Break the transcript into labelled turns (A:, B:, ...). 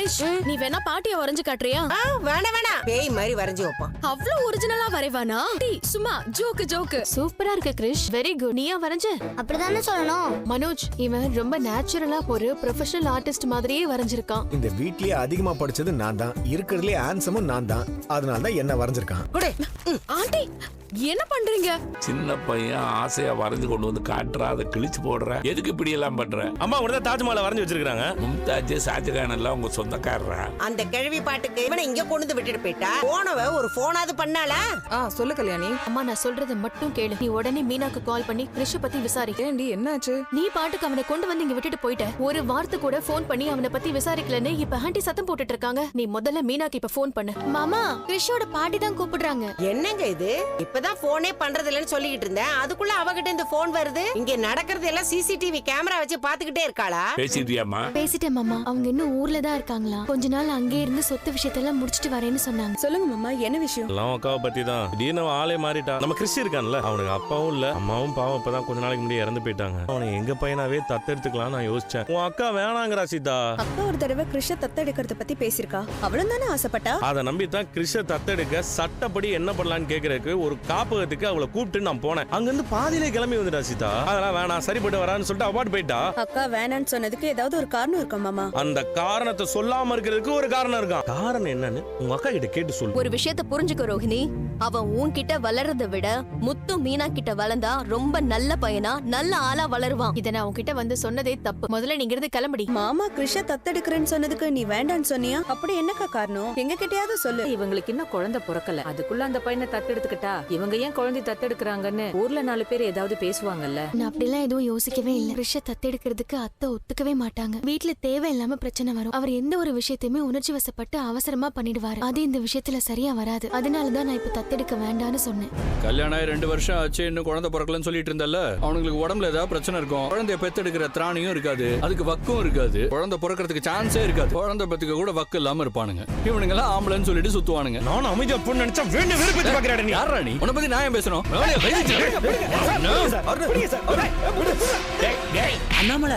A: கிரிஷ், நீ வேணா பாட்டிய வரைஞ்சு காட்டுறியா?
B: வேணாம் பேய் மாதிரி வரைஞ்சு வைப்பான்.
A: அவ்வளவு ஒரிஜினலா வரைவானா? சும்மா ஜோக்கு.
C: சூப்பரா இருக்கு கிரிஷ், வெரி குட். நீயா வரைஞ்ச?
D: அப்படிதானே சொல்லணும்.
C: மனோஜ், இவன் ரொம்ப நேச்சுரலா ஒரு ப்ரொஃபஷனல் ஆர்டிஸ்ட் மாதிரியே வரைஞ்சிருக்கான்.
E: இந்த வீட்லயே அதிகமா படிச்சது நான் தான், இருக்கிறதுலயே ஹேண்ட்ஸமும் நான் தான். அதனால தான் என்ன வரைஞ்சிருக்கான்.
A: ஆண்டி என்ன பண்றீங்க?
F: சின்ன பையன் ஆசையா வரைஞ்சு கொண்டு வந்து காட்டுறா, அதை கிழிச்சு போடுற. எதுக்கு இப்படி எல்லாம் பண்ற?
G: அம்மா கூட தாஜ்மஹாலை வரைஞ்சு வச்சிருக்காங்க.
F: மும்தாஜ் ஷாஜகான் எல்லாம் உங்க சொந்தக்காரரா?
B: அந்த கிழவி பாட்டுக்கு இவனை இங்க கொண்டு வந்து விட்டுட்டு போயிட்டா. போனவ ஒரு போனாது பண்ணாளா?
H: சொல்லு கல்யாணி.
C: அம்மா, நான் சொல்றத மட்டும் கேளு. நீ உடனே மீனாக்கு கால் பண்ணி கிரிஷ பத்தி விசாரி.
H: ஏண்டி என்னாச்சு?
C: நீ பாட்டுக்கு அவனை கொண்டு வந்து இங்க விட்டுட்டு போயிட்ட. ஒரு வார்த்தை கூட போன் பண்ணி அவனை பத்தி விசாரிக்கலன்னு இப்ப ஆண்டி சத்தம் போட்டுட்டு இருக்காங்க. நீ முதல்ல மீனாக்கு இப்ப போன் பண்ணு.
D: மாமா, கிறிஷோட பாட்டி தான் கூப்பிடுறாங்க.
B: என்னங்க இது? இப்பதான் போனே பண்றது இல்லன்னு சொல்லிட்டு இருந்தேன். அதுக்குள்ள அவகிட்ட இந்த போன் வருது. இங்க நடக்கிறது எல்லாம் சிசிடிவி கேமரா வச்சு பாத்துக்கிட்டே இருக்காளா?
F: பேசிட்டியாமா?
D: பேசிட்டேன் மாமா. அவங்க இன்னும் ஊர்ல தான் இருக்காங்களா. கொஞ்ச நாள் அங்கே இருந்து சொத்து விஷயத்தெல்லாம் முடிச்சிட்டு வரேன்னு சொன்னாங்க.
H: சொல்லுங்க மாமா, என்ன விஷயம்?
G: எல்லாம் அக்காவை பத்தி தான். திடீர்னு ஆளே மாறிட்டா. நம்ம கிறிஸ் இருக்கான்ல, அவனுக்கு அப்பாவும் இல்ல அம்மாவும் பாவம் இப்பதான் கொஞ்ச நாளைக்கு முன்னாடி இறந்து போயிட்டாங்க. அவனை எங்க பையனாவே தத்தெடுத்துக்கலாம் நான் யோசிச்சேன். உன் அக்கா வேணாங்கிறா சீதா.
H: அக்கா ஒரு தடவை கிறிஷ தத்தெடுக்கிறத பத்தி பேசிருக்கா. அவளும் தானே ஆசைப்பட்டா.
G: அதை நம்பித்தான் கிறிஷ தத்தெடுக்க சட்டப்படி என்ன பண்ணலான்னு கேக்குறதுக்கு ஒரு காப்பகத்துக்கு அவளை கூப்பிட்டு நான் போனேன். அங்க இருந்து பாதியிலே கிளம்பி வந்துட்டா சீதா. அதெல்லாம் வேணாம், சரிப்பட்டு வரான்னு சொல்லிட்டு அவார்ட் போயிட்டா.
H: அக்கா வேணான்னு சொன்னதுக்கு ஏதாவது ஒரு காரணம் இருக்கா மாமா?
G: அந்த காரணத்தை சொல்லாம இருக்கிறதுக்கு ஒரு காரணம் இருக்கான். காரணம் என்னன்னு உங்க அக்கா கிட்ட கேட்டு சொல்லு.
I: ஒரு விஷயத்த புரிஞ்சுக்க ரோஹிணி. அவன் உன்கிட்ட வளர்றதை விட முத்து மீனா கிட்ட வளர்ந்தா ரொம்ப நல்ல பையனா நல்ல ஆளா வளருவான்.
C: இத நான் உன்கிட்ட வந்து சொன்னதே தப்பு. முதல்ல நீங்க இருந்து கிளம்படி.
H: மாமா கிறிஷ தத்தெடுக்கிறேன்னு சொன்னதுக்கு நீ வேண்டான்னு சொன்னியா? அப்படி என்னக்கா காரணம்? எங்க கிட்டயாவது சொல்லு.
J: இவங்களுக்கு இன்னும் குழந்தை பிறக்கல, அதுக்குள்ள அந்த பையனை தத்தெடுத்துக்கிட்டா இவங்க ஏன் குழந்தை தத்தெடுக்கிறாங்கன்னு ஊர்ல 4 பேர் ஏதாவது பேசுவாங்கல்ல.
D: நான் அப்படிலாம் எதுவும் யோசிக்கவே இல்ல. கிறிஷ தத்தெடுக்கிறதுக்கு அத்தை ஒத்துக்கவே மாட்டாங்க. வீட்டுல தேவையில்லாம பிரச்சனை வரும். அவர் எந்த ஒரு விஷயத்தையுமே உணர்ச்சி வசப்பட்டு அவசரமா பண்ணிடுவாரு. அது இந்த விஷயத்துல சரியா வராது. அதனாலதான் நான் இப்ப தத்தெடுக்க வேண்டான்னு சொன்னேன்.
K: கல்யாணம் ஆகி 2 வருஷம் ஆச்சு, இன்னும் குழந்தை பிறக்கலன்னு சொல்லிட்டு இருந்தல. அவனுங்களுக்கு உடம்புல ஏதாவது பிரச்சனை இருக்கும். குழந்தைய பெத்தெடுக்கிற திராணியும் இருக்காது, அதுக்கு வக்கும் இருக்காது. குழந்தை பிறக்கிறதுக்கு சான்ஸே இருக்காது. குழந்தை பெத்துக்க கூட வக்கு இல்லாம இருப்பானுங்க. இவனுங்க எல்லாம் ஆம்பளைன்னு சொல்லிட்டு சுத்துவானுங்க.
G: நானும் அமைதியா பொண்ணு நினைச்சா வேண்டு வெறுப்பேத்தி பாக்குறாடா நீ.
K: யாரா நீ? உன்னை பத்தி நான் ஏன் பேசணும்?
B: அண்ணாமலை,